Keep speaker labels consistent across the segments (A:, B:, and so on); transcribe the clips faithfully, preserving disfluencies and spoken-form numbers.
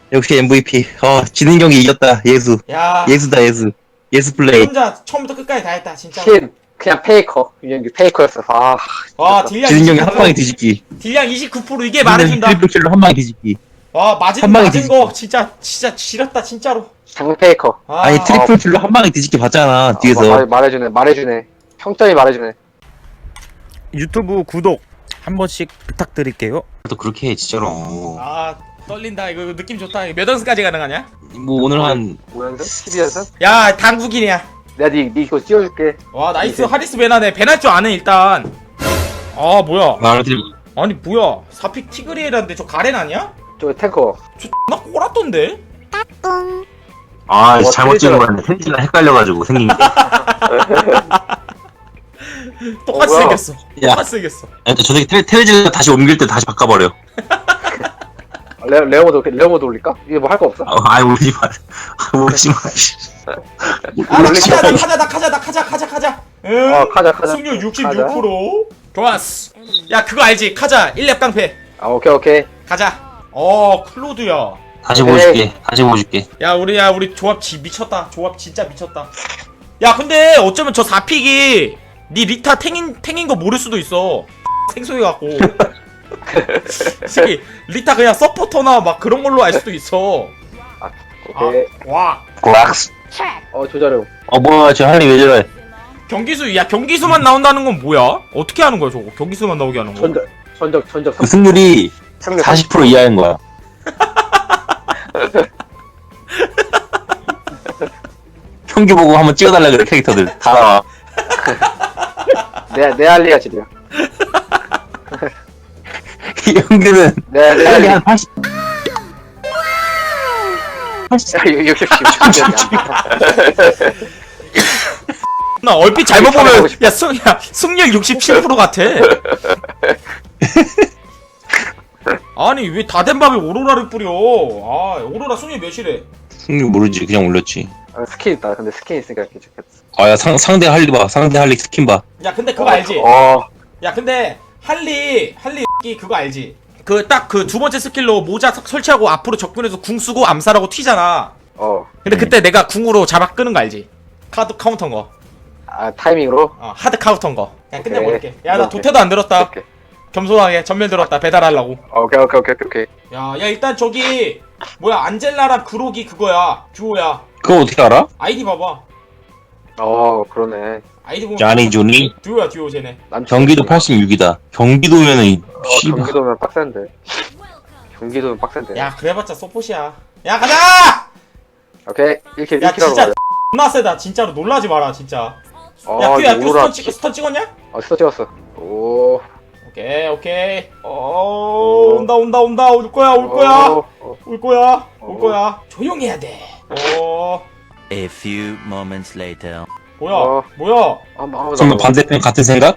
A: 역시 엠브이피. 어, 지는 경기 이겼다. 예수.
B: 야,
A: 예수다, 예수. 예수 플레이.
B: 혼자 처음부터 끝까지 다 했다, 진짜.
C: 신 그냥 페이커 유영규 페이커였어. 아
B: 와, 딜량
A: 지는 경기 한 방에
B: 이십구 퍼센트.
A: 뒤집기.
B: 딜량 이십구 퍼센트 이게 말해준다.
A: 트리플 킬로 한 방에 뒤집기.
B: 와, 맞은,
A: 한 방에
B: 맞은
A: 뒤집기.
B: 거 진짜, 진짜 지렸다, 진짜로.
C: 장 페이커.
B: 아,
A: 아니, 트리플 킬로 한 방에 뒤집기 봤잖아, 뒤에서.
C: 어, 말, 말해주네 말해주네 평점이 말해주네.
D: 유튜브 구독 한 번씩 부탁드릴게요.
A: 또 그렇게 해, 진짜로.
B: 아, 떨린다. 이거, 이거 느낌 좋다. 이거 몇 연승까지 가능하냐?
A: 뭐, 오늘 한,
C: 오 연승? 십이 연승?
B: 야, 당국인이야.
C: 내가 니, 니 이거 띄워줄게.
B: 와, 나이스.
C: 이제.
B: 하리스 베나네. 배날 줄 아네, 일단. 아, 뭐야.
A: 말을 드리
B: 아니, 뭐야. 사픽 티그리에라는데 저 가렌 아니야?
C: 저 탱커.
B: 저 X나 꼬랐던데?
A: 아,
C: 어,
A: 잘못 찍은
C: 트리플.
A: 거였네. 텐트가 헷갈려가지고 생긴 게.
B: 똑같이
C: 어, 뭐야.
B: 생겼어.
A: 야.
B: 똑같이 생겼어.
A: 근데 저 새끼 테, 테레즈가 다시 옮길 때 다시 바꿔버려.
C: 레, 레오모드 레오모드 올릴까? 이게 뭐 할 거 없어?
A: 아, 아이, 울지 마. 울지 마.
B: 아, 나
C: 올리지
B: 카자, 나
C: 마.
B: 카자, 나 카자, 나 카자, 카자, 카자. 응.
C: 어, 카자, 카자.
B: 승률 육십육 퍼센트. 좋았어. 야, 그거 알지? 카자, 일 렙 깡패.
C: 아 오케이 오케이.
B: 가자. 어, 클로드야.
A: 다시 보여줄게. 다시 보여줄게.
B: 야, 우리, 야, 우리 조합 지 미쳤다. 조합 진짜 미쳤다. 야, 근데 어쩌면 저 사 픽이 니 리타 탱인, 탱인 거 모를 수도 있어. 생소해갖고. 이 새끼, 리타 그냥 서포터나 막 그런 걸로 알 수도 있어.
C: 오케이.
B: 아, 와.
A: 락스.
C: 어 조자룡.
A: 어, 뭐야, 저 할리 왜 저래?
B: 경기수, 야, 경기수만 나온다는 건 뭐야? 어떻게 하는 거야, 저거? 경기수만 나오게 하는 거?
C: 전적 전적 전적
A: 그 승률이
C: 삼
A: 사십 퍼센트 이하인 거야. 평균 보고 한번 찍어달라 그래, 캐릭터들. 다 나와.
C: 내, 내 할리가 지려.
A: 이 형들은
C: 내, 내
A: 할리
C: 할리.
A: 한 팔십. 팔십.
C: 야, 이거 육십,
B: 나 얼핏 잘못
C: 하고
B: 보면,
C: 싶어.
B: 야, 승, 야, 승률 육십칠 퍼센트 같아. 아니, 왜 다 된 밥에 오로라를 뿌려? 아, 오로라 승률 몇이래?
A: 승률 모르지, 그냥 올렸지.
C: 아, 스킨 있다. 근데 스킨 있으니까 이렇게 좋겠어.
A: 아, 야, 상, 상대 할리 봐. 상대 할리 스킨 봐.
B: 야, 근데 그거 알지?
C: 어,
B: 야, 근데 할리 할리 이 그거 알지? 그 딱 그 두 번째 스킬로 모자 석- 설치하고 앞으로 접근해서 궁 쓰고 암살하고 튀잖아.
C: 어.
B: 근데
A: 음.
B: 그때 내가 궁으로 잡아 끄는 거 알지? 카드 카운터인 거.
C: 아, 타이밍으로?
B: 어, 하드 카운터인 거. 그냥
C: 오케이.
B: 끝내볼게. 야, 나
C: 오케이.
B: 도태도 안 들었다.
C: 오케이.
B: 겸손하게 전멸 들었다. 배달하려고.
C: 오케이, 오케이, 오케이, 오케이.
B: 야, 야 일단 저기 뭐야 안젤라랑 그록이 그거야. 듀오야.
A: 그거 어떻게 알아?
B: 아이디 봐봐.
C: 어, 그러네.
B: 아이디 보면
A: 자니 조니?
B: 듀오야 듀오 쟤네.
C: 난
A: 경기도 팔십육이다. 경기도면은, 이,
C: 어,
A: 씨발.
C: 경기도면 빡센데. 경기도면 빡센데.
B: 야, 그래봤자 서폿이야. 야, 가자!
C: 오케이. 이렇게,
B: 야,
C: 이렇게 하러
B: 진짜
C: 가자.
B: 존나 세다. 진짜로 놀라지 마라, 진짜.
C: 어,
B: 야, 큐야, 큐
C: 오로라
B: 스턴, 찍, 스턴 찍었냐?
C: 어, 스터 찍었어. 오.
B: 오케이, 오케이. 어, 온다, 온다, 온다. 올 거야, 올 거야.
C: 어, 어.
B: 올 거야, 올
C: 어.
B: 거야. 조용히 해야 돼. 어,
D: A few moments later.
B: 뭐야,
C: 어.
B: 뭐야.
C: 아무, 아무도
A: 정말
C: 안 봐.
A: 반대편 같은 생각?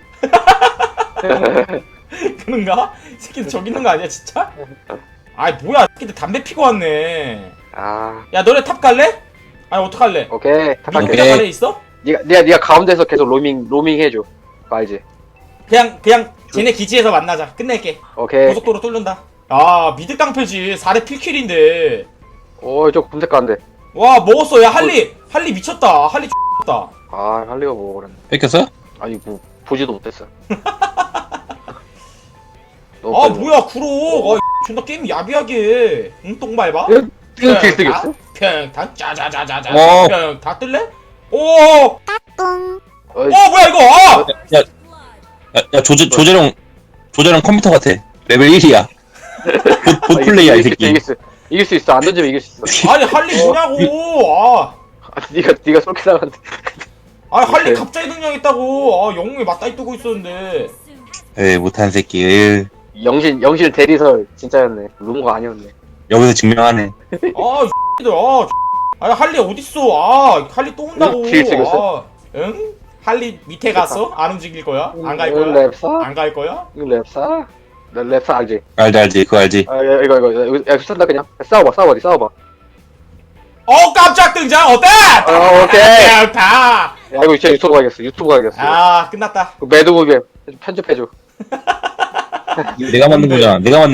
B: 그런가? 이 새끼들 저기 있는 거 아니야, 진짜? 아이, 뭐야. 이 새끼들 담배 피고 왔네.
C: 아,
B: 야, 너네 탑 갈래? 아니, 어떡할래?
C: 오케이. 탁할게.
B: 민트자
A: 오케이.
B: 가래 있어?
C: 니가, 니가, 니가 가운데서 계속 로밍, 로밍 해줘. 그거 알지?
B: 그냥, 그냥, 쟤네 기지에서 만나자. 끝낼게.
C: 오케이.
B: 고속도로 뚫는다. 아, 미드 깡패지. 사 렙 필킬인데.
C: 오, 저 검색 가는데.
B: 와, 먹었어. 야, 할리. 할리 미쳤다. 할리 X다.
C: 아, 할 리가 뭐, 그랬네.
A: 뺏겼어?
C: 아니, 뭐, 보지도 못했어.
B: 아,
C: 너무 빨리
B: 뭐야, 구로. 아, 존나 게임 야비하게. 응, 똥밟아?
C: 먹어. 이거 길쓰겼어?
B: 평타, 짜자자자자.
A: 어.
B: 평타 뜰래? 오! 어,
C: 어이,
B: 뭐야, 이거. 아!
A: 야, 야, 조재, 조재룡, 조재룡 컴퓨터 같아. 레벨 일이야. 봇, 봇
C: 아,
A: 플레이야, 이
C: 이길 수
A: 새끼.
C: 있어, 이길 수, 이길 수 있어. 안 던지면 이길 수 있어.
B: 아니, 할리 뭐냐고. 아.
C: 아, 니가, 니가 쏠게 나갔는데.
B: 아니, 할리
C: 오케이.
B: 갑자기 등장했다고. 아, 영웅이 맞다이 뜨고 있었는데.
A: 에이, 못한 새끼. 에이,
C: 영신, 영신 대리설 진짜였네. 루머가 아니었네.
A: 여기서 증명하네.
B: 아, 이들 아, 아니, 할리 어딨어. 아, 할리 또 온다고.
C: 응, 길 찍었어.
B: 아, 응? 할리 밑에 갔어? 안 움직일 거야? 안 갈
C: 이거
B: 거야?
C: 랩사?
B: 안 갈 거야?
C: 이거 랩사? 나 랩사 알지?
A: 알지, 알지, 그거 알지.
C: 아, 야, 이거, 이거, 이거, 야, 쏜다, 그냥. 야, 싸워봐, 싸워봐, 니 싸워봐.
B: 어, 깜짝 등장! 어때?
C: 어, 오케이.
B: 다!
C: 야, 이거 진짜 유튜브 가야겠어. 유튜브 가야겠어.
B: 아, 끝났다.
C: 그 매드무비 편집해줘.
A: 내가 만든 거잖아. 내가 만든 거잖아.
B: 그냥,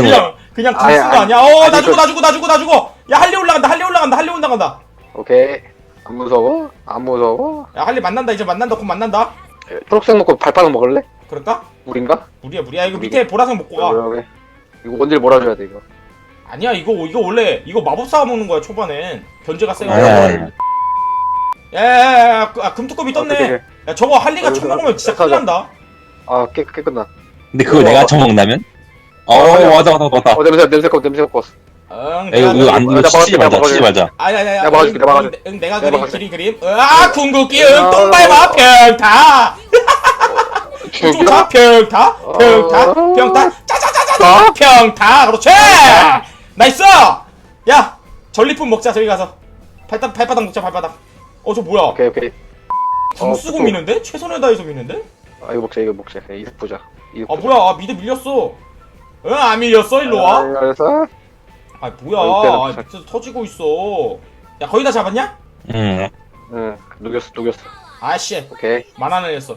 B: 그냥 궁
C: 아니,
B: 쓴 거
C: 아니,
B: 아니야? 어, 나
C: 아니,
B: 주고,
C: 그-
B: 나 주고, 나 주고, 나 주고. 야, 할리 올라간다, 할리 올라간다, 할리 올라간다.
C: 오케이. 안 무서워? 안 무서워?
B: 야, 할리 만난다, 이제 만난다, 곧 만난다.
C: 예, 초록색 먹고 발바닥 먹을래?
B: 그럴까?
C: 물인가?
B: 무리야, 무리야. 이거 밑에 보라색 먹고 가.
C: 여기. 이거 원딜 몰아줘야 돼 이거.
B: 아니야, 이거, 이거 원래, 이거 마법사가 먹는 거야, 초반엔. 견제가 세고.
A: 아니야, 아니야.
B: 야, 야, 야, 야, 그- 아, 금투급이 떴네.
C: 어떡해.
B: 야, 저거 할리가 쳐 먹으면 진짜 큰일 난다.
C: 아, 깨, 깨 끝나.
A: 근데 그걸
C: 어.
A: 내가 처먹는다면? 어,
C: 어,
A: 맞아, 맞아, 맞아.
C: 어, 냄새, 냄새 거, 냄새 거.
B: 응,
A: 야,
B: 내가
A: 이거, 이거 안, 이거
C: 내가
A: 치지
C: 막아줄게,
A: 말자,
C: 내가
A: 치지 말자.
B: 아니 아니 아니
C: 내가 막아줄게,
B: 응,
C: 내가 막아줄게.
B: 응, 내가
C: 내가
B: 그린
C: 막아줄게.
B: 그린 그림 아 궁극기 응 똥밟아 평타 쫓아 평타 평타 평타 짜자자자자 평타 그렇지 나이스 야 전리품 먹자 저기 가서 발바닥 발바닥 먹자 발바닥 어 저 뭐야
C: 오케이, 오케이.
B: 궁
C: 어,
B: 쓰고
C: 또.
B: 미는데 최선을 다해서 미는데
C: 아, 이거 먹자, 이거 먹자. 이거 보자. 이거
B: 아
C: 보자.
B: 뭐야 아 미드 밀렸어 응 안 밀렸어 일로 와
C: 알았어.
B: 아
C: 어,
B: 뭐야
C: 이때는
B: 아 밑에서 터지고 있어 야 거의 다 잡았냐
A: 응.
C: 응, 녹였어, 녹였어.
B: 아씨
C: 오케이.
B: 만화 날렸어.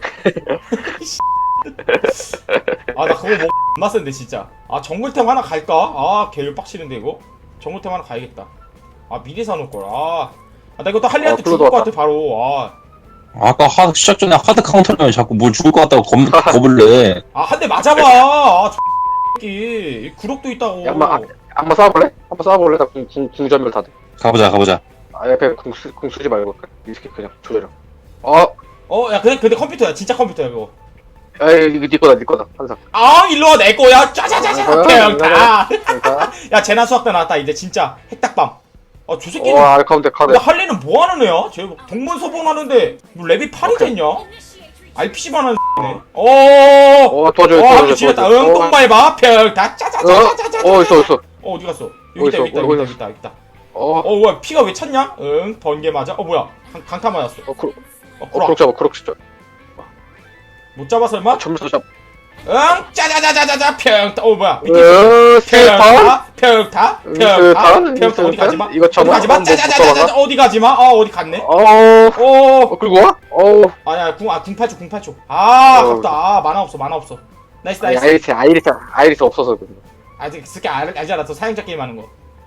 B: 아 나 그거 뭐 존나 센데 진짜. 아 정글템 하나 갈까? 아 개열 빡치는데 이거. 정글템 하나 가야겠다. 아 미리 사놓을 걸. 아. 아 나 이거 또 할리한테
C: 어,
B: 죽을
C: 플로도
B: 것
C: 왔다.
B: 같아 바로. 아.
A: 아까 하, 시작 전에 하드 카운터면 자꾸 뭘 죽을 것 같다고 겁, 겁을 내.
B: 아 한 대 맞아봐. 아 새끼. 구력도 있다고.
C: 야, 한번, 아, 한번 싸워볼래? 한번 싸워볼래? 나 궁, 궁, 궁전멸 다 돼.
A: 가보자, 가보자.
C: 아, 옆에 궁, 쓰, 궁 쓰지 말고. 이 새끼 그냥 조절해. 어,
B: 어 야 근데 근데 컴퓨터야 진짜 컴퓨터야 이거.
C: 야, 이거 네 거다, 네 거다. 항상.
B: 아 일로 와 내 거야. 짜자자자.
C: 어,
B: 평타.
C: 그러니까.
B: 야 재난 수학대 나왔다 이제 진짜 핵딱밤. 아저 새끼는.
C: 와, 가운데, 가운데.
B: 근데 할리는 뭐 하는 애야? 쟤 동문서본 하는데 뭐 랩이 팔이
C: 오케이.
B: 됐냐? 알피씨만 하는 네 어.
C: 어, 도와줘,
B: 와
C: 도와줘.
B: 할리 지렸다.
C: 도와줘.
B: 응 똥밟아. 평타 짜자자자자자.
C: 어, 어, 있어, 있어.
B: 어 어디 갔어? 여기 있다
C: 어디
B: 여기 있다
C: 있어?
B: 여기 있다
C: 어디
B: 여기 있다 여기 있다.
C: 어,
B: 어 뭐야 피가 왜 찼냐? 응 번개 맞아. 어 뭐야 강, 강타 맞았어.
C: 어, 크록,
B: 어
C: 어,
B: 구라
C: 크록 잡아, 크록 진짜.
B: 못 잡아 설마?
C: 점수 잡.
B: 응 짜자자자자자 평타. 어 뭐야 밑에
C: 어, 세판?
B: 평타 평타
C: 응,
B: 평타
C: 세판?
B: 평타 어디
C: 세판?
B: 가지마?
C: 이거
B: 어디
C: 잡아?
B: 가지마?
C: 어, 뭐
B: 짜자자자자
C: 붙어가나?
B: 어디 가지마? 어 어디 갔네?
C: 어,
B: 오
C: 어, 끌고 와? 어.
B: 아니야 궁, 아, 궁팔 초, 궁팔 초. 아,
C: 어.
B: 아깝다. 아, 만화 없어, 만화 없어. 나이스,
C: 아니,
B: 나이스.
C: 아이리스, 아이리스, 아이리스 없어서 그래.
B: 아직 그게 알, 알지 않았어. 사용자 게임 하는 거.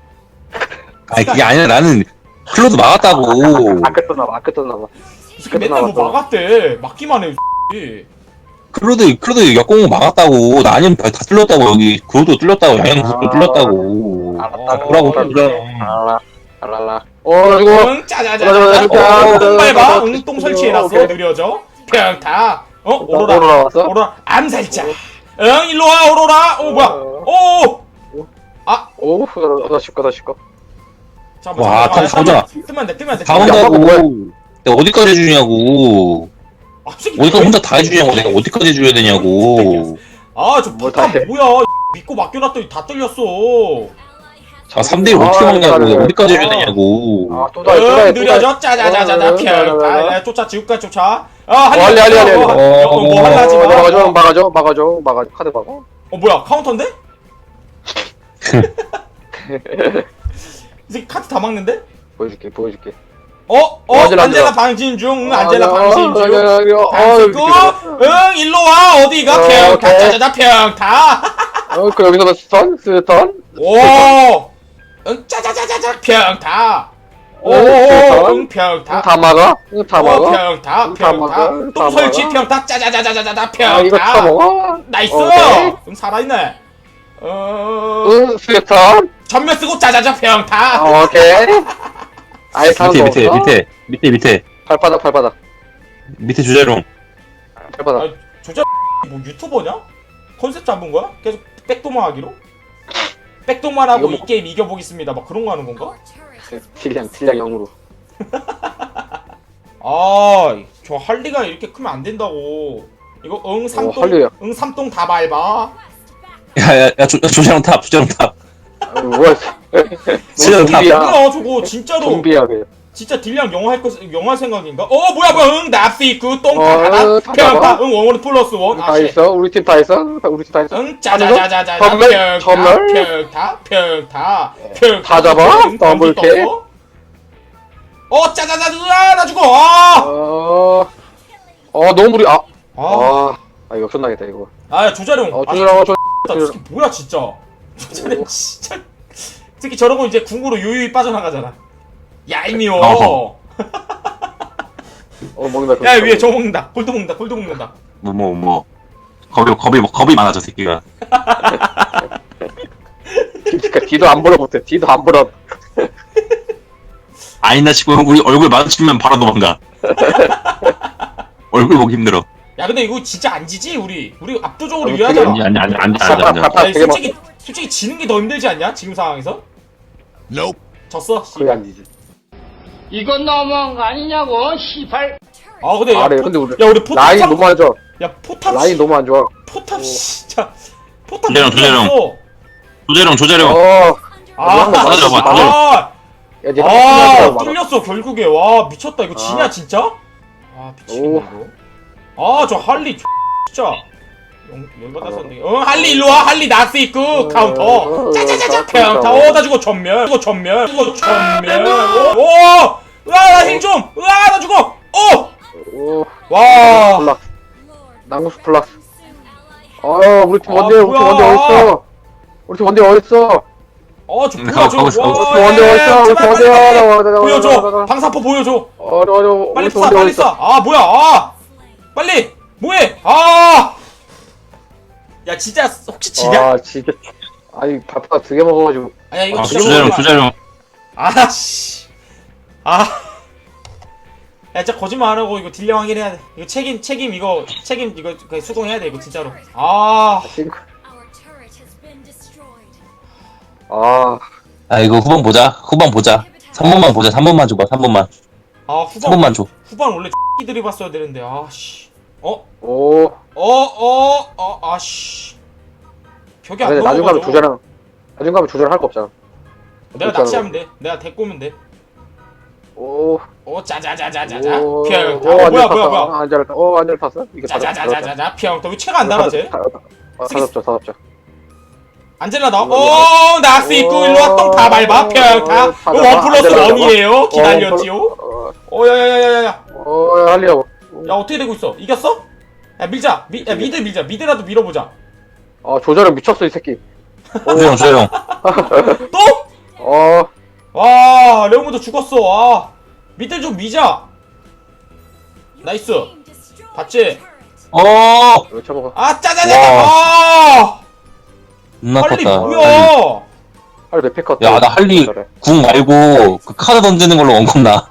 A: 아니, 그게 아니라 나는 클로드 막았다고.
C: 아까 떴나봐, 아까 떴나봐.
B: 이 새끼 맨날 뭐
C: 끝나갔어.
B: 막았대. 막기만 해, 이
A: 클로드, 클로드 역공을 막았다고. 나 아니면 다, 다 뚫렸다고, 여기. 그로도 뚫렸다고, 양양구도
C: 아.
A: 뚫렸다고.
C: 알았다.
A: 뭐라고
B: 어,
A: 그래.
C: 알라, 알랄라. 어, 이거.
B: 응, 짜자자자자.
C: 맞아,
B: 어, 똥 밟아.
C: 맞아.
B: 응, 똥 설치해놨어.
C: 오케이.
B: 느려져. 평타. 어, 오로라.
C: 오로라 왔어?
B: 오로라. 암살자. 응, 일로 와, 오로라. 오, 뭐야. 오!
C: 오, 나 쉴까, 나 쉴까.
B: 잠깐만,
A: 와,
B: 잠깐만.
A: 다 가보자.
B: 뜨면- 뜨면 안 돼, 뜨면 안 돼.
A: 다
C: 야,
A: 온다고.
C: 뭐야?
A: 내가 어디까지 해주냐고.
B: 아, 이 새끼
A: 어디까지
B: 뭐야?
A: 혼자 다 해주냐고. 내가 어디까지 해줘야 되냐고.
B: 아, 저
C: 뭘
B: 포탑
C: 다 해.
B: 뭐야. 믿고 맡겨놨더니 다 뚫렸어.
A: 아, 삼 대 일 어떻게
C: 아,
A: 막냐고.
C: 잘해.
A: 어디까지 해줘야
B: 아.
A: 되냐고.
C: 아, 또 다, 또 다,
B: 응,
C: 또 다.
B: 느려져. 짜자자자자.
C: 어,
B: 평타.
C: 어,
B: 야, 쫓아, 지금까지 쫓아. 아,
C: 어, 할리, 할리, 할리, 할리.
B: 어, 어, 어, 뭐
A: 어,
B: 할라 하지
C: 어,
B: 마.
C: 막아줘,
B: 어,
C: 막아줘, 막아줘, 막아줘. 카드 막아.
B: 어, 뭐야, 카운터인데? 이 새끼 카트 다 막는데?
C: 보여줄게, 보여줄게.
B: 어? 어?
C: 어, 안젤라,
B: 안젤라
C: 안젤라.
B: 방진 중. 응, 안젤라
C: 어,
B: 방진 중.
C: 어, 어,
B: 방진구.
C: 어,
B: 응, 일로 와. 어디가?
C: 어,
B: 평타.
C: 오케이.
B: 짜자자 평타.
C: 어, 그 여기서 스턴, 스턴.
B: 오. 응, 짜자자자자 평타. 오,
C: 어, 스턴.
B: 응, 평타.
C: 다 막아? 응, 다
B: 어,
C: 막아?
B: 평타.
C: 응, 다
B: 평타.
C: 막아? 응,
B: 똥
C: 다
B: 설치
C: 막아?
B: 평타. 짜자자자자자
C: 아, 이거 다
B: 평타.
C: 먹어?
B: 나이스.
C: 오케이.
B: 응, 살아있네. 어.
C: 응, 스턴.
B: 전면 쓰고 짜자자 평타.
C: 아, 오케이. 아예 사는
A: 밑에,
C: 거
A: 밑에,
C: 없어?
A: 밑에, 밑에, 밑에.
C: 발바닥, 발바닥.
A: 밑에 주제롱.
C: 발바닥.
B: 아, 조자 뭐 유튜버냐? 컨셉 잡은 거야? 계속 백도만 하기로? 백도만 하고
C: 이거 뭐-
B: 이 게임 이겨보겠습니다. 막 그런 거 하는 건가?
C: 딜량, 딜량 영으로.
B: 아, 저 할리가 이렇게 크면 안 된다고. 이거 응 삼동,
C: 할리야.
B: 응 삼동 다 밟아.
A: 야, 야, 야, 조, 조제롱 탑, 조제롱 탑.
C: 아, 뭐야.
A: 진짜
C: 너
A: 다-
C: 좀비야.
B: 뭐야 저거 진짜로
C: 좀비야, 그냥.
B: 진짜 딜량 영화 할 거, 영화 생각인가? 어 뭐야 뭐야 응 납시 그 똥
C: 어,
B: 다
C: 다
B: 평타
C: 잡아.
B: 응 원원 플러스 원
C: 다
B: 아씨
C: 있어? 우리 팀 다 있어? 우리 팀 다 있어?
B: 응 짜자자자자
C: 전멸?
B: 평타
C: 전멸?
B: 평타 평타 평타
C: 다 잡아?
B: 응,
C: 더블
B: 검지
C: 킬?
B: 떴어? 어 짜자자자 나 죽어 아!
C: 어, 어, 너무 무리, 아,
B: 아,
C: 아, 아, 이거 끝나겠다, 이거.
B: 아 조자룡
C: 어,
B: 아,
C: 조절하고, 조,
B: 진짜 이 새끼 뭐야 진짜 조제령 진짜 특히 저러고 이제 궁으로 요요히 빠져나가잖아. 얄미워.
A: 어허.
C: 어 먹는다.
B: 야 위에 저 먹는다. 골도 먹는다. 골도 먹는다.
A: 뭐 뭐 뭐 겁이 겁이 겁이 많아 저 새끼가.
C: 그러니까 뒤도 안 보러 못해. 뒤도 안 보러.
A: 아니나 싶고 우리 얼굴 마주치면 바로 도망가. 얼굴 보기 힘들어.
B: 야 근데 이거 진짜 안 지지 우리. 우리 압도적으로
C: 어,
B: 유리하잖아.
A: 아니 아니 아니 아니 아니 아니.
C: 아빠
B: 야,
C: 되게
B: 솔직히 솔직히 지는 게 더 힘들지 않냐? 지금 상황에서?
E: Nope.
B: 졌어.
C: 거의 안 지지.
F: 이건 너무한 거 아니냐고, 시발.
B: 아 근데 야,
C: 아, 네,
B: 포,
C: 근데 우리
B: 야 우리 포탑
C: 라인
B: 참-
C: 너무 안 좋아.
B: 야 포탑
C: 라인
B: 씨-
C: 너무 안 좋아.
B: 포탑 진짜 포탑
A: 조재령, 조재령.
B: 없어.
A: 조재령 조재령.
C: 어.
B: 아,
C: 맞아,
A: 맞아, 맞아.
B: 아,
C: 야, 니
B: 아, 뚫렸어 결국에. 와 미쳤다 이거
C: 아.
B: 지냐 진짜? 아 미치겠네
C: 오.
B: 이거. 아 저 할리 진짜 영- 열받았었네. 어 할리 일로 와. 할리 나스 있고
C: 어,
B: 카운터.
C: 어,
B: 짜자자자
C: 어,
B: 카운터.
C: 어,
B: 어나 죽어 전멸. 죽어 전멸. 죽어 전멸. 오, 오, 으아 나힐 좀. 으아 나 죽어. 오,
C: 오.
B: 와.
C: 플러스. 낭구스 플러스. 어, 우리 팀
B: 아,
C: 원대, 우리 팀
B: 뭐야.
C: 원대 어딨어? 우리 팀 원대 어딨어?
B: 어, 저
A: 음,
B: 뭐야
A: 가고,
B: 저.
A: 가고 있어, 가고
B: 와,
A: 있어.
C: 우리 팀 원대
B: 야,
C: 어딨어?
B: 야,
C: 우리 팀
B: 제발
C: 원대
B: 빨리, 빨리.
C: 어딨어?
B: 보여줘. 방사포 보여줘.
C: 어려, 어려.
B: 빨리
C: 우리 팀
B: 쏴
C: 원대
B: 빨리
C: 어딨어?
B: 쏴. 아 뭐야 아 빨리 뭐해 아. 야 진짜 혹시 지냐?
C: 아, 진짜. 아니, 밥밥 두개 먹어가지고.
B: 아야 이거
A: 아
B: 진짜
A: 조재령
B: 모르겠다.
A: 조재령.
B: 아씨 아. 야 진짜 거짓말 안 하고 이거 딜량 확인해야 돼. 이거 책임 책임 이거 책임 이거 그냥 수긍해야 돼 이거 진짜로. 아.
C: 싱크. 아,
A: 아 이거 후반 보자. 후반 보자. 삼 번만 보자. 삼 번만 줘봐. 삼 번만.
B: 아
A: 삼
B: 후반
A: 번만 줘.
B: 후반 원래 X들이 봤어야 되는데 아씨. 어?
C: 오.
B: 어? 어? 어? 아씨. 벽이 안
C: 근데 나중 가면
B: 넘어가죠.
C: 조절랑, 나중 가면 조절할 거 없잖아.
B: 내가
C: 그렇잖아.
B: 낚시하면 돼. 내가 데리고 오면 돼.
C: 오.
B: 오 짜자자자자자자
C: 오.
B: 평타.
C: 오,
B: 어,
C: 안
B: 뭐야
C: 잘
B: 뭐야
C: 탔다.
B: 뭐야.
C: 아, 안 잘, 어, 안 잘 탔어? 이게 다 잡- 다 잡자.
B: 자자자자자자 평타. 왜 채가 안 달아 쟤?
C: 다 잡자. 아, 다 잡자, 다 잡자.
B: 안젤라 나와.
C: 이거
B: 오 낚시 있고 일로 와. 똥 다 밟아 평타.
C: 어, 다
B: 이거
C: 잡아.
B: 원 플러스
C: 안젤라
B: 원이에요. 기다렸지요.
C: 어,
B: 어 야야야야야. 야
C: 어, 할리하고.
B: 어떻게 되고 있어? 이겼어? 야 밀자. 미, 야 미드 밀자. 미드라도 밀어보자.
C: 아, 조절은 미쳤어, 이 새끼.
A: 조재령 조재령.
B: 또?
C: 어,
B: 와 레오모도 죽었어. 아 미드 좀 미자. 나이스. 봤지?
A: 어.
C: 이거 쳐먹어.
B: 아 짜자자자. 아
A: 존나
B: 빨리
A: 컸다.
B: 뭐야?
C: 할리 몇 팩 컷?
A: 야, 나 할리 궁 말고 그 카드 던지는 걸로 원컵 나.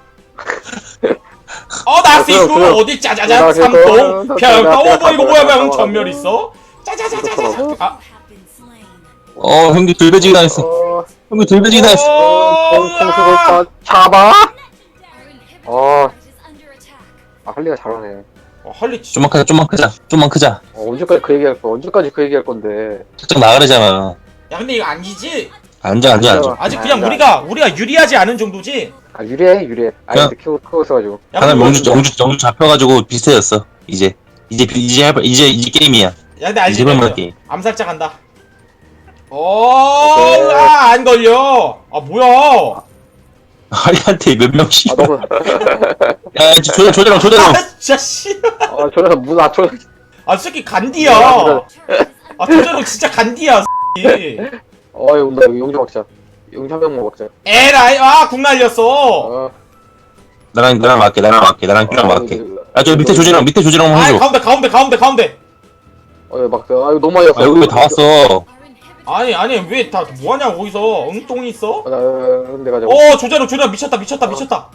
B: 어 나스
C: 아, 그럼,
B: 있고
C: 그럼.
B: 어디 짜자자
C: 그럼,
B: 삼동
C: 그럼,
B: 평타.
C: 그럼,
B: 오 뭐 이거 뭐야 뭐야
C: 그럼,
B: 전멸 있어? 짜자자자자. 아
A: 어 형기 들배지기 당했어.
C: 어,
A: 형기 들배지기 당했어.
B: 어,
C: 공수를
B: 으아.
C: 잡아? 어, 아, 할리가 잘하네.
B: 어, 할리 진짜.
A: 좀만 크자. 좀만 크자. 좀만 크자.
C: 어, 언제까지 그 얘기할 거, 언제까지 그 얘기할 건데.
A: 살짝 나가려잖아.
B: 야 근데 이거 아니지?
A: 앉아 앉아 앉아.
B: 아직 그냥
C: 아,
B: 우리가 우리가 유리하지 않은 정도지?
C: 아, 유리해, 유리해. 아이한테 키워, 키워 있어가지고.
B: 야
A: 하나
B: 근데,
A: 명주 명주 명주 잡혀가지고 비슷해졌어. 이제 이제 비- 이제 할 이제 이제 게임이야.
B: 야 근데 알지?
A: 이제 볼만 게임.
B: 암살자 간다. 어, 아, 안 걸려. 아, 뭐야?
A: 할리한테 몇 명씩.
C: 아, 너무,
A: 야 조재 조재령 조재령.
B: 아, 진짜 씨.
C: 아, 저래서 문, 아, 저,
B: 아, 새끼 간디야. 아, 도저로 진짜 간디야, 새끼.
C: 어, 이거 온다. 이거 용자 먹자. 용자 한명 먹자.
B: 에라이, 아, 궁 날렸어.
C: 어,
A: 나랑 나랑 맞게 나랑 맞게 나랑 큐랑 맞게. 아저 밑에 조재령 밑에 조재령
B: 아,
A: 해줘.
B: 가운데, 가운데, 가운데, 가운데.
C: 어, 이거 막, 아, 이거 너무 많이 왔어.
A: 아 여기 왜 다 왔어?
B: 아니, 아니, 왜 다 뭐하냐, 거기서. 응, 똥이 있어?
C: 아, 나, 내가 잡아.
B: 어, 조자로, 조자로, 미쳤다, 미쳤다, 미쳤다.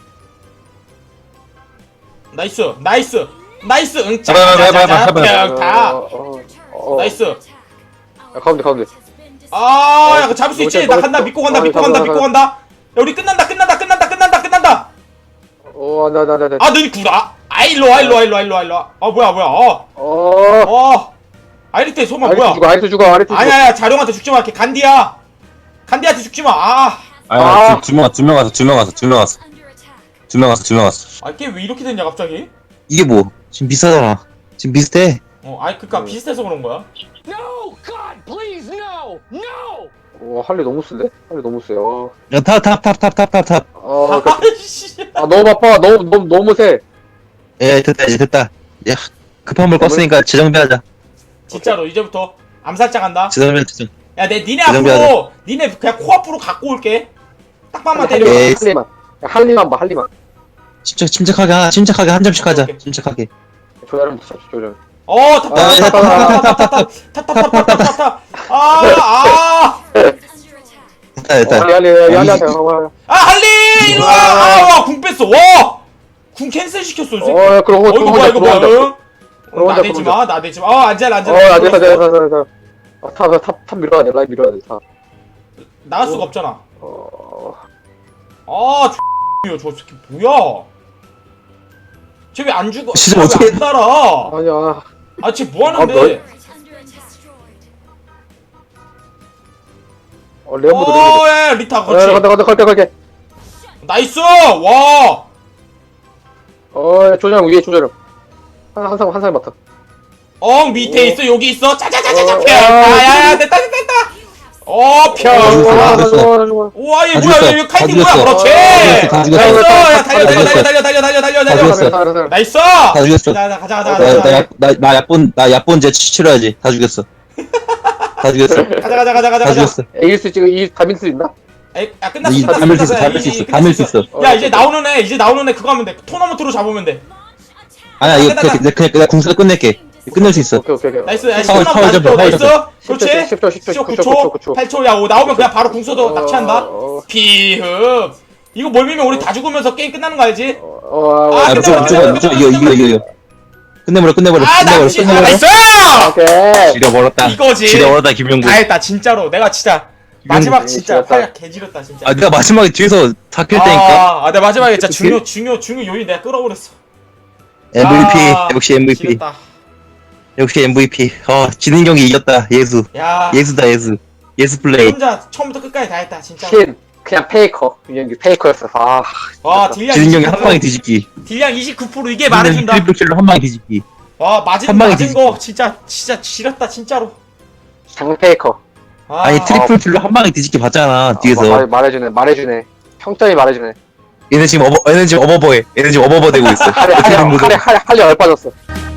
B: 나이스, 나이스, 나이스, 응,
A: 해봐, 해봐, 해봐,
B: 짜자자자,
A: 해봐, 해봐.
B: 평타.
C: 어, 어, 어.
B: 나이스.
C: 야, 가운데, 가운데.
B: 아, 야, 그거 잡을 수 있지? 나 간다, 믿고 간다,
C: 어,
B: 믿고
C: 잡아,
B: 간다,
C: 잡아.
B: 믿고 간다. 야, 우리 끝난다, 끝난다, 끝난다, 끝난다, 끝난다.
C: 어, 나, 나, 나, 나.
B: 아, 너희 구라. 아, 일로 와, 일로 와, 일로 와, 일로 와, 일로 와. 아, 뭐야, 뭐야. 어,
C: 어,
B: 어. 아이리테 소만
C: 아리스
B: 뭐야?
C: 죽어, 아리스 죽어, 아리스 죽어.
B: 아니야, 아니야, 자룡한테 죽지 마. 걔 간디야. 간디한테 죽지 마. 아,
A: 아니
C: 아.
A: 두명 왔어 두명 왔어 두명 왔어 두명 왔어 두명 왔어 두명 왔어.
B: 아, 걔 왜 이렇게 됐냐, 갑자기?
A: 이게 뭐? 지금 비슷하잖아. 지금 비슷해.
B: 어, 아이, 그니까 비슷해서 그런 거야.
F: No, God, please, no, no.
C: 어, 할리 너무 쓴데? 할리 너무 세. 어,
A: 야탑탑탑탑탑탑탑.
C: 어, 그-
B: 아이씨.
C: 아, 너무 바빠. 너무, 너무, 너무 세.
A: 예 됐다 이제 됐다. 야 급한 물 껐으니까 재정비하자.
B: 진짜로, 이제부터 암살자 간다.
A: 재정비 재정.
B: 야, 내 니네
A: 그 정도
B: 앞으로 니네 그냥 코앞으로 갖고 올게. 딱밤만 때려.
A: 예.
C: 할리만. 야, 할리만 봐, 할리만.
A: 침착 침착하게 하, 침착하게 한 점씩 하자.
B: 오케이.
A: 침착하게.
C: 조절은 잡 조절.
B: 어, 탑탑탑탑탑탑탑탑탑탑탑탑탑탑. 아, 아,
A: 됐다 됐다.
C: 할리, 할리, 할리, 할리, 할리.
B: 아, 할리 일로 와. 아, 와, 궁 뺐어. 와, 궁 캔슬 시켰어. 이 새끼.
C: 어, 야, 그럼
B: 어, 이거 뭐야, 이거 뭐야? 응?
C: 그럼
B: 응,
C: 혼자,
B: 나대지
C: 그럼
B: 마, 나대지 마. 어, 앉아, 앉아.
C: 어, 안 돼, 안 돼, 안 돼, 안 돼, 안 돼. 아, 탑, 탑, 탑 밀어야 돼, 라인 밀어야 돼, 탑.
B: 나갈 수가 없잖아.
C: 어,
B: 아, X야, 저 새끼 뭐야? 쟤 왜 안 죽어?
A: 진짜
B: 쟤
A: 어떻게-
B: 왜안 날아?
C: 아니야.
B: 아, 쟤 뭐
C: 아,
B: 하는데?
C: 어, 레오모드, 레오모드.
B: 어, 야, 리타,
C: 어,
B: 그렇지.
C: 간다, 간다, 갈게, 갈게.
B: 나이스! 와!
C: 어, 조절 위에 조절. 한, 한 사람, 한 사람 맡아.
B: 엉, 밑에 있어, 여기 있어. 짜자자자자,
C: 어,
B: 펴!
C: 어,
B: 아, 야, 야, 됐다, 됐다, 됐다! 어, 펴!
A: 어,
B: 우와,
A: 됐어.
B: 우와, 얘
A: 다
B: 뭐야,
A: 죽였어.
B: 얘 카이팅
A: 다
B: 뭐야,
A: 죽였어.
B: 그렇지!
A: 다 죽였어.
B: 나이스! 야, 달려,
A: 다
B: 달려,
A: 죽였어.
B: 달려, 달려, 달려, 달려, 달려,
A: 다
B: 달려.
A: 죽였어.
B: 나이스!
A: 다 죽였어.
B: 자, 자, 가자, 가자,
C: 어,
B: 가자,
A: 나,
B: 가자.
A: 나, 나, 나 약본, 나 약본제 치- 치료해야지. 다 죽였어. 다 죽였어.
B: 가자, 가자, 가자, 가자,
A: 다
B: 가자.
A: 죽였어.
C: 에이스 지금 이 다밀 수 있나?
B: 에이, 야, 끝났어,
A: 이
B: 끝났어,
A: 담을 수 있어,
B: 끝났어.
A: 담을 수
B: 이-
A: 있어,
B: 이-
A: 담을 수
B: 끝났어.
A: 있어.
B: 야, 이제 나오는 애, 이제 나오는 애 그거 하면 돼. 토너먼트로 잡으면 돼.
A: 아니야, 이거 그냥, 그냥, 그냥, 그냥 궁수로 끝낼게. 끝낼 수 있어.
C: 오케이, 오케이, 오케이.
B: 나이스, 야,
A: 파울,
B: 십초
A: 파울
B: 남았다,
A: 좀,
B: 십초.
A: 파울
B: 나이스.
A: 좀.
B: 그렇지.
C: 십 초, 십 초, 십 초,
B: 구
C: 십 초,
B: 초,
C: 구 초.
B: 팔 초. 야, 오, 나오면 그냥 바로 궁서도 납치한다.
C: 어,
B: 피흡. 이거 멀미면 우리 다 죽으면서 게임 끝나는 거 알지?
C: 어, 어,
B: 아,
A: 아,
B: 끝내버려,
A: 무조건, 무조건, 무조건, 이거, 이거, 이거, 이거. 끝내버려, 끝내버려,
B: 아,
A: 끝내버려,
B: 납치. 아,
A: 끝내버려.
B: 나이스!
C: 오케이.
A: 지려버렸다.
B: 이거지.
A: 지려버렸다, 김용구.
B: 다 했다, 진짜로. 내가 진짜 마지막
C: 음,
B: 진짜
C: 지렸다.
B: 팔 개지렸다, 진짜.
A: 아, 내가 마지막에 뒤에서 다킬 때니까.
B: 아, 아, 내가 마지막에 진짜
A: 그-
B: 중요, 중요, 중요 요인 내가 끌어버렸어.
A: 엠브이피,
B: 아,
A: 역시 엠브이피.
B: 지렸다.
A: 역시 엠브이피. 어, 지는 경기 이겼다. 예수.
B: 야,
A: 예수다, 예수. 예수 플레이.
B: 혼자 처음부터 끝까지 다 했다, 진짜.
C: 신. 그냥 페이커. 이게 페이커였어. 아,
B: 와, 딜량
A: 지는 경기
B: 이십구 퍼센트.
A: 한 방에 뒤집기.
B: 딜량 이십구 퍼센트 이게 말해준다.
A: 트리플 킬로 한 방에 뒤집기.
B: 와, 맞은
A: 한 방에
B: 맞은
A: 뒤집기.
B: 거 진짜 진짜 지렸다, 진짜로.
C: 장 페이커.
B: 아,
A: 아니, 트리플 킬로 한 방에 뒤집기 봤잖아,
C: 아,
A: 뒤에서.
C: 말, 말해주네, 말해주네. 평점이 말해주네.
A: 얘네 지금 어버, 얘네 지금 어버버해. 얘네 지금 어버버 되고 있어.
C: 할리,
A: 어떻게 된
C: 할리,
A: 거죠?
C: 할리, 할리, 할리 얼빠졌어.